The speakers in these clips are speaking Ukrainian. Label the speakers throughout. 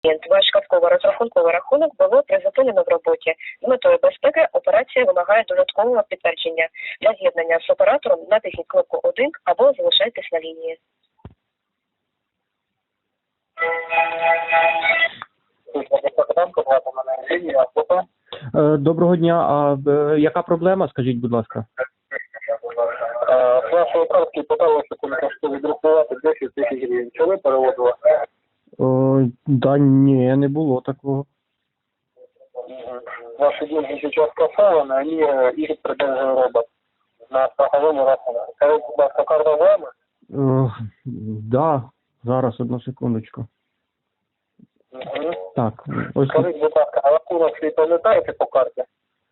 Speaker 1: Ваш картково-розрахунковий рахунок було призупинено в роботі. З метою безпеки операція вимагає додаткового підтвердження. Для з'єднання з оператором натисніть кнопку 1 або залишайтесь на лінії.
Speaker 2: Доброго дня. А яка проблема, скажіть, будь ласка?
Speaker 3: З вашої картки питалося відрахувати 10 тисяч гривень. Чи ви переводили?
Speaker 2: Да ні, не було такого.
Speaker 3: Ваши деньги сейчас кассованы, они их продолжил робот на страховому рахунку. Скажіть, будь ласка, карта з вами?
Speaker 2: Да, зараз, одну секундочку. Так, ось.
Speaker 3: Скажіть, будь ласка, а рахунок свій пам'ятаєте по карті?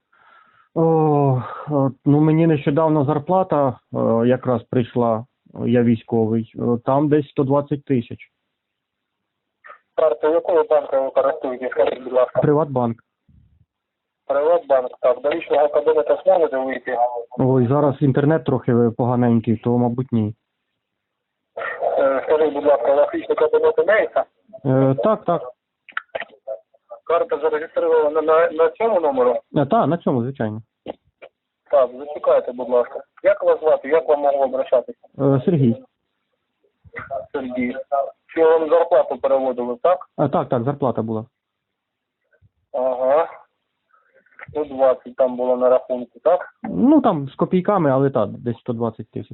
Speaker 2: Ну мені нещодавно зарплата якраз прийшла, я військовий, там десь 120 тисяч.
Speaker 3: Карту якого банку ви користуєтесь, скажіть, будь ласка?
Speaker 2: Приватбанк.
Speaker 3: Приватбанк, так. До лічного кабінету зможете вийти?
Speaker 2: Ой, зараз інтернет трохи поганенький, то, мабуть, ні.
Speaker 3: Скажіть, будь ласка, у вас лічний кабінет імеється?
Speaker 2: Так.
Speaker 3: Карта зареєстрована на цьому номеру?
Speaker 2: Так, на цьому, звичайно.
Speaker 3: Так, зачекайте, будь ласка. Як вас звати? Як вам можу обращатися?
Speaker 2: Сергій.
Speaker 3: Сергій. Чи вам зарплату переводили, так?
Speaker 2: Так, зарплата була.
Speaker 3: Ага. 120 там було на рахунку, так?
Speaker 2: Ну, там з копійками, але так, десь 120 тисяч.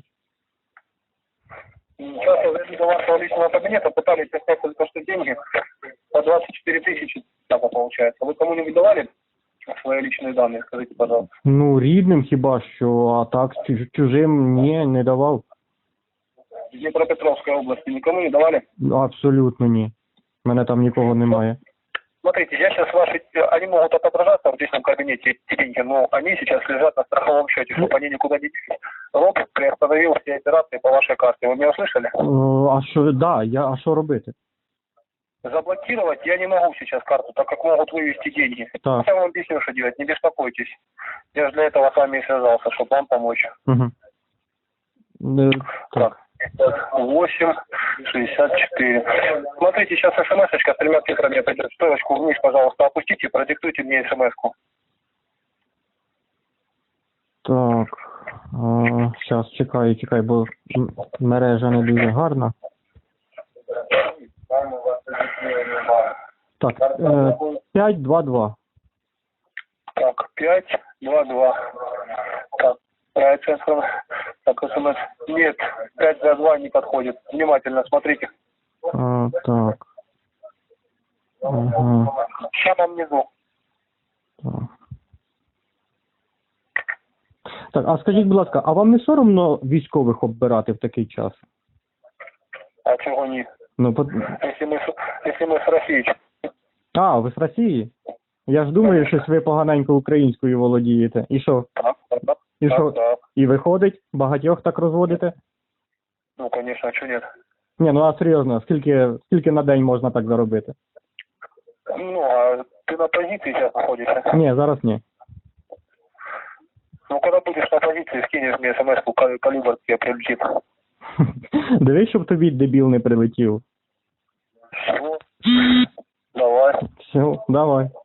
Speaker 3: Сейчас я зайду до вашего личного кабинета, пытались снять только что деньги по 24 тысячи, так получается. Вы кому-нибудь давали свои личные данные, скажите, пожалуйста?
Speaker 2: Ну, рідним хіба що, а так, чужим ні, не давав.
Speaker 3: В Днепропетровской области никому не давали?
Speaker 2: Абсолютно ні. Мене там нікого немає.
Speaker 3: Смотрите, я сейчас ваши, они могут отображаться в личном кабинете, эти деньги, но они сейчас лежат на страховом счете, чтобы они никуда не делись. Робот приостановил все операции по вашей карте. Вы меня услышали?
Speaker 2: А що, а що робити?
Speaker 3: Заблокировать я не могу сейчас карту, так как могут вывести деньги.
Speaker 2: Так.
Speaker 3: Я вам объясню, что делать, не беспокойтесь. Я же для этого с вами и связался, чтобы вам помочь.
Speaker 2: Угу.
Speaker 3: Так. 8,64. Смотрите, сейчас смс-очка с 3 цифрами придет. Стрелочку вниз, пожалуйста, опустите, продиктуйте мне смс-ку.
Speaker 2: Так. Зараз, чекай, бо мережа не дуже гарна. Так, 522.
Speaker 3: Так, 522. Так, цифра. Так, смс. Нет, 522 не подходит. Внимательно смотрите.
Speaker 2: Так. Ага.
Speaker 3: Сейчас внизу.
Speaker 2: Так. Так, а скажіть, будь ласка, а вам не соромно військових оббирати в такий час?
Speaker 3: А чего не?
Speaker 2: Ну,
Speaker 3: Если мы с Россией.
Speaker 2: ви з Росії? Я ж думаю, що ви поганенько українською володієте. І що?
Speaker 3: Так.
Speaker 2: І що?
Speaker 3: Так.
Speaker 2: І виходить? Багатьох так розводите?
Speaker 3: Ну, конечно, а что нет?
Speaker 2: Ні, ну а серйозно, скільки на день можна так заробити?
Speaker 3: Ну, а ты на позиции сейчас находишься?
Speaker 2: Ні, зараз ні.
Speaker 3: Ну, когда будешь на позиции, скинешь мне смс-ку, калибр тебе прилетит.
Speaker 2: Дивись, щоб тобі дебіл не прилетів.
Speaker 3: Все. Давай.
Speaker 2: Все, давай.